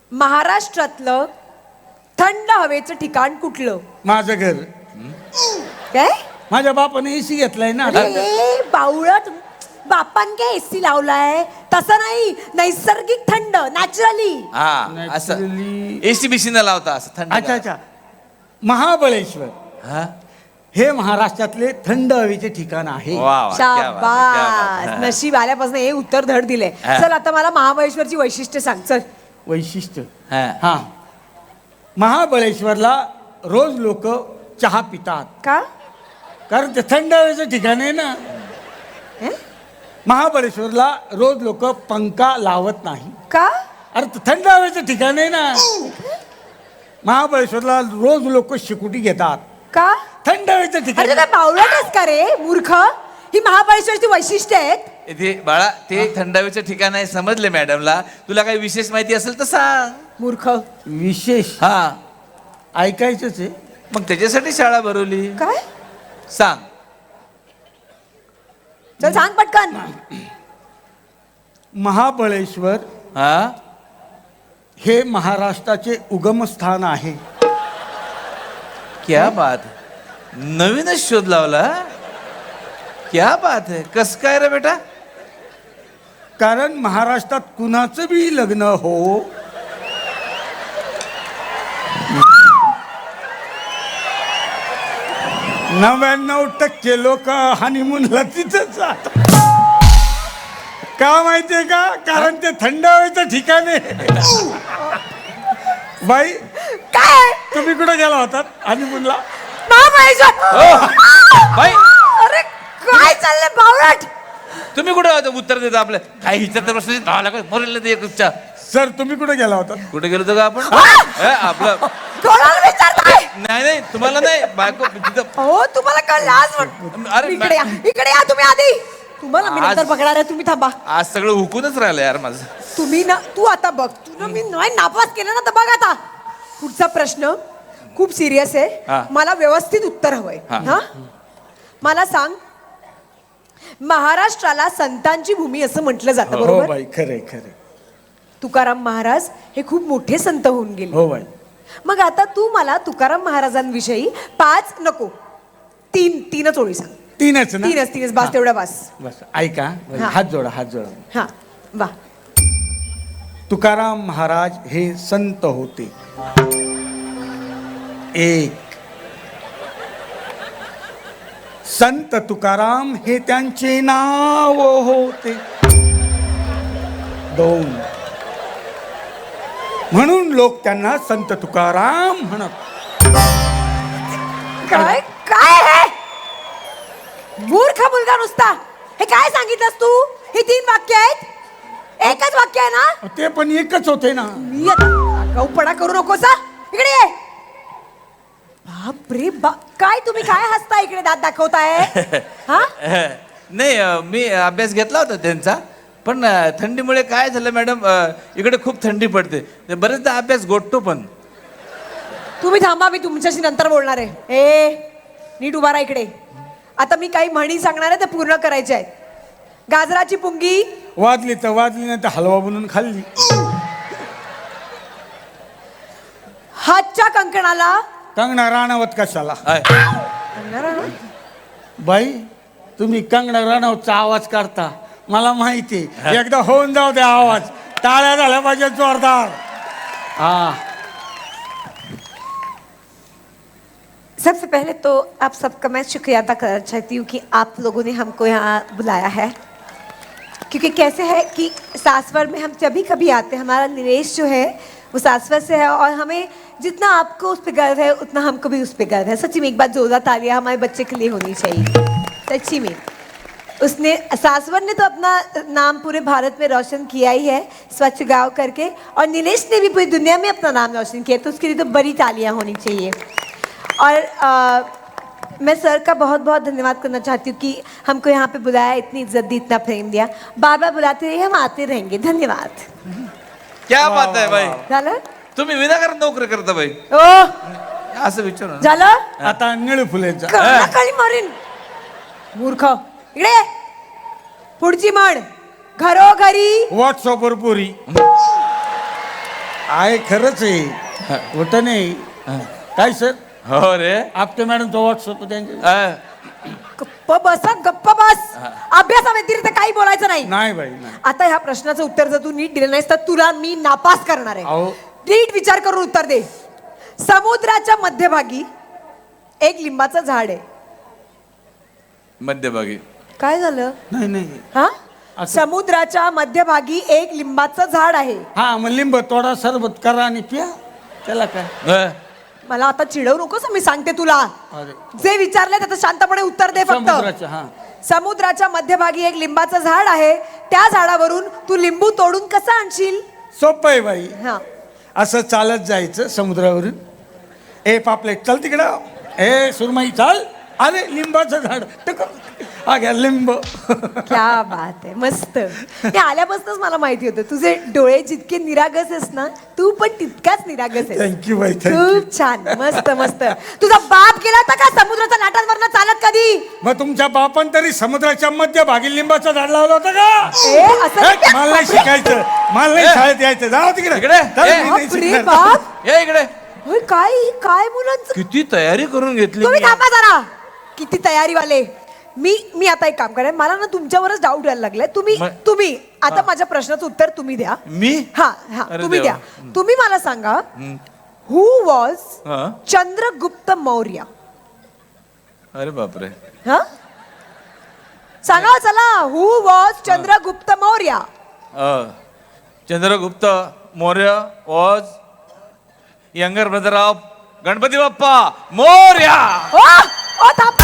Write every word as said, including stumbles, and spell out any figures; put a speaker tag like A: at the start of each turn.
A: महाराष्ट्रातलं थंड हवेचं ठिकाण कुठलं?
B: माझं घर.
A: काय?
B: माझ्या बापाने एसी घेतलाय ना.
A: अरे बावळट, बापान काय एसी लावलाय? तसं नाही, नैसर्गिक थंड, नॅचरली.
C: हा असं
B: Naturally.
C: एसी बिसी न लावता असं थंड.
B: अच्छा अच्छा. महाबळेश्वर
C: हा
B: हे महाराष्ट्रातले थंड हवेचे ठिकाण आहे.
C: वा वा, क्या बात है, क्या बात
A: शाबास,
C: है.
A: नशीब आल्यापासून हे उत्तर धड दिले.
C: हा.
A: चल आता मला महाबळेश्वरची वैशिष्ट्य सांग. चल.
B: वैशिष्ट्य
C: हा.
B: हा महाबळेश्वरला रोज लोक चहा पितात
A: का?
B: कारण ते थंड हवेचं ठिकाण आहे ना.
A: हं?
B: महाबळेश्वरला रोज लोक पंखा लावत नाही.
A: का?
B: अरे ते थंड हवेचं ठिकाण आहे ना. महाबळेश्वरला रोज लोक शिकुटी घेतात.
A: का?
B: थंड हवेचं
A: अरे
B: ठिकाण
A: तू काय बावळटच का रे मूर्ख? ही महाबळेश्वरची वैशिष्ट्य आहेत.
C: इथे बाळा ते थंड हवेचं ठिकाण आहे समजले मॅडमला. तुला काही विशेष माहिती असेल तर सांग.
A: मूर्ख.
B: विशेष
C: हा
B: ऐकायचंच आहे.
C: मग त्याच्यासाठी शाळा भरवली.
A: काय?
C: सांग.
A: चल सांग पटकन.
B: महाबळेश्वर
C: हा
B: हे महाराष्ट्राचे उगमस्थान आहे.
C: क्या बात है. नवीनच शोध लावला. क्या बात है. कस काय रे बेटा?
B: कारण महाराष्ट्रात कुणाचं बी लग्न हो, नव्याण्णव टक्के लोक हनीमूनला तिथंच जातात. का माहितीये का? कारण ते थंड हवेचं ठिकाण आहे. बाई
A: काय?
B: तुम्ही कुठे गेला होतात हनीमूनला?
A: महाबळेश्वर.
C: बाई
A: अरे काय चाललंय बावळट?
C: तुम्ही कुठे होता? उत्तर देता आपलं काही विचारता प्रश्न दहा लाख मरेल ते एकच्या.
B: सर तुम्ही कुठे गेला होतात?
C: कुठे गेलो होतो का आपण? ए, आपलं
A: कोणाला विचारताय?
C: नाही नाही तुम्हाला नाही बायको तिथं.
A: हो तुम्हाला कळलं आज वाट-
C: अरे,
A: इकडे या, इकडे या तुम्ही आधी. तुम्हाला मी नंतर
C: आज-
A: बघणार आहे, तुम्ही थांबा.
C: आज सगळं हुकूनच राहिलं यार माझं.
A: तुम्ही ना, तू आता बघ. तू ना, मी नाही नापास केलं ना, तर बघ आता. पुढचा प्रश्न खूप सिरियस
C: हा.
A: आहे. मला व्यवस्थित उत्तर हवंय.
C: हा.
A: हा मला सांग, महाराष्ट्राला संतांची भूमी असं म्हटलं जातं,
B: हो
A: बरोबर?
B: बाई खरे खरे.
A: तुकाराम महाराज हे खूप मोठे संत होऊन गेले.
B: हो बाई.
A: मग आता तू मला तुकाराम महाराजांविषयी पाच नको तीन तीनच ओळी सांग.
B: तीनच ना?
A: तीनच तीनच बास, तेवढा बास.
B: बस ऐका.
A: हा.
B: हात जोडा हात जोडा.
A: हा वा.
B: तुकाराम महाराज हे संत होते. एक, संत तुकाराम हे त्यांचे नाव होते. दोन, म्हणून लोक त्यांना संत तुकाराम म्हणत.
A: काय काय आहे? मूर्ख मुलगा नुसता. हे काय सांगितलंस तू? ही तीन वाक्य आहेत? एकच वाक्य आहे ना?
B: ते पण एकच होते ना.
A: मी आता गाऊपणा करू नकोस हा. इकडे ये. बापरे बाप, काय तुम्ही काय हसता इकडे दात दाखवताय? हा
C: नाही अं, मी अभ्यास घेतला होता त्यांचा. पण अं, थंडीमुळे काय झालं मॅडम, अं, इकडे खूप थंडी पडते. ते बरेचदा अभ्यास गोठतो पण.
A: तुम्ही थांबा, मी तुमच्याशी नंतर बोलणार आहे. ए नीट उभा राहा इकडे. आता मी काही म्हणी सांगणार आहे, ते पूर्ण करायचे आहेत. गाजराची पुंगी
B: वाजली तर वाजली, नाही तर हलवा बनवून खाल्ली.
A: हातच्या कंकणाला
B: कंगना राणावत कशाला?
C: आहे.
A: कंगना राणा?
B: बाई तुम्ही कंगना राणावतचा आवाज काढता, मला माहिती. एकदा होऊन जाऊ द्या आवाज. टाळ्या झाल्या पाहिजे जोरदार. हा.
A: सबसे पहले तो आप सबका मैं शुक्रिया अदा करना चाहती हूँ कि आप लोगों ने हमको यहाँ बुलाया है. क्योंकि कैसे है कि सासवर में हम जब भी कभी आते हैं, हमारा निवेश जो है वो सासवर से है, और हमें जितना आपको उस पर गर्व है उतना हमको भी उस पर गर्व है. सच्ची में एक बार जोरदार तालियां हमारे बच्चे के लिए होनी चाहिए. सच्ची में उसने, सासवर ने तो अपना नाम पूरे भारत में रोशन किया ही है स्वच्छ गाँव करके, और नीलेश ने भी पूरी दुनिया में अपना नाम रोशन किया. तो उसके लिए तो बड़ी तालियां होनी चाहिए. और आ, मैं सर का बहुत बहुत धन्यवाद करना चाहती हूँ कि हमको यहाँ पे बुलाया, इतनी इज्जत दी, इतना प्रेम दिया. बार बार बुलाते रहिए, हम आते रहेंगे. धन्यवाद.
C: क्या बात आहे बाई.
A: झालं?
C: तुम्ही विनाकारण नोकरी करता बाई.
A: ओ
C: असं विचार ना.
A: झालं?
B: आता निळू फुलेचा.
A: काळी मारीन मूर्ख. इकडे ये. पुढची म्हण, घरोघरी
B: व्हॉट्सअपवर पुरी. आहे खरंच आहे होतं नाही काय सर
C: हो रे
B: आपटे मॅडम तो व्हॉट्सअप त्यांचे
C: अ,
A: गप्प बस हं, गप्प बस अभ्यासाव्यतिरिक्त काही बोलायचं नाही
B: नाही बाई नाही
A: आता ह्या प्रश्नाचं उत्तर जर तू नीट दिलं नाहीस तर तुला मी नापास करणार आहे
B: अहो.
A: नीट विचार करून उत्तर दे समुद्राच्या मध्यभागी एक लिंबाचं झाड आहे
C: मध्यभागी
A: काय झालं
B: नाही नाही
A: हा
B: असं-
A: समुद्राच्या मध्यभागी एक लिंबाचं झाड आहे
B: हा मग लिंब तोडा सरबत करा आणि प्या त्याला काय
C: अ,
A: मला आता चिडवू नकोस मी सांगते तुला
B: अरे
A: जे विचारले त्याचं शांतपणे उत्तर दे फक्त
B: समुद्राच्या हा
A: समुद्राच्या मध्यभागी एक लिंबाचं झाड आहे त्या झाडावरून तू लिंबू तोडून कसं आणशील
B: सोपं आहे बाई
A: हा
B: असं चालत जायचं समुद्रावरून ए पापलेट चल तिकडं ए सुरमई चाल अरे लिंबाचं झाड टक हा घ्या लिंब
A: क्या बात आहे मस्त हे आल्यापासूनच मला माहिती होतं तुझे डोळे जितके निरागस आहेस ना तू पण तितकाच निरागस आहेस
B: थँक्यू बाई थँक्यू
A: खूप छान मस्त मस्त तुझा बाप गेला होता का समुद्राच्या लाटांवरनं चालत कधी
B: मग तुमच्या बापान तरी समुद्राच्या मध्यभागी लिंबाचं झाड लावलं होतं का
A: ए असं
B: हे, मला नाही शिकायचं मला नाही
C: ए.
B: शाळेत यायचं जाऊ तिकडे
C: इकडे.
B: चल,
C: ए.
B: मी नाही
A: बापरे
B: शिकणार.
A: बाप
C: ये इकडे
A: होय काय काय मुलांचं
C: किती तयारी करून घेतली
A: तुम्ही
C: मी.
A: थांबा जरा किती तयारी वाले मी मी आता एक काम करेन मला ना तुमच्यावरच डाऊट यायला लागलाय तुम्ही
C: मग-
A: तुम्ही आता माझ्या प्रश्नाचं उत्तर तुम्ही द्या
C: मी
A: हा हा
C: अरे
A: तुम्ही
C: देवा.
A: द्या तुम्ही मला सांगा हु वॉज
C: हा.
A: चंद्रगुप्त मौर्य
C: अरे बापरे
A: हा सांगा चला who was Chandragupta Maurya
C: uh, Chandragupta Maurya was younger brother of Ganapati Bappa Morya
A: ओ ओ थांब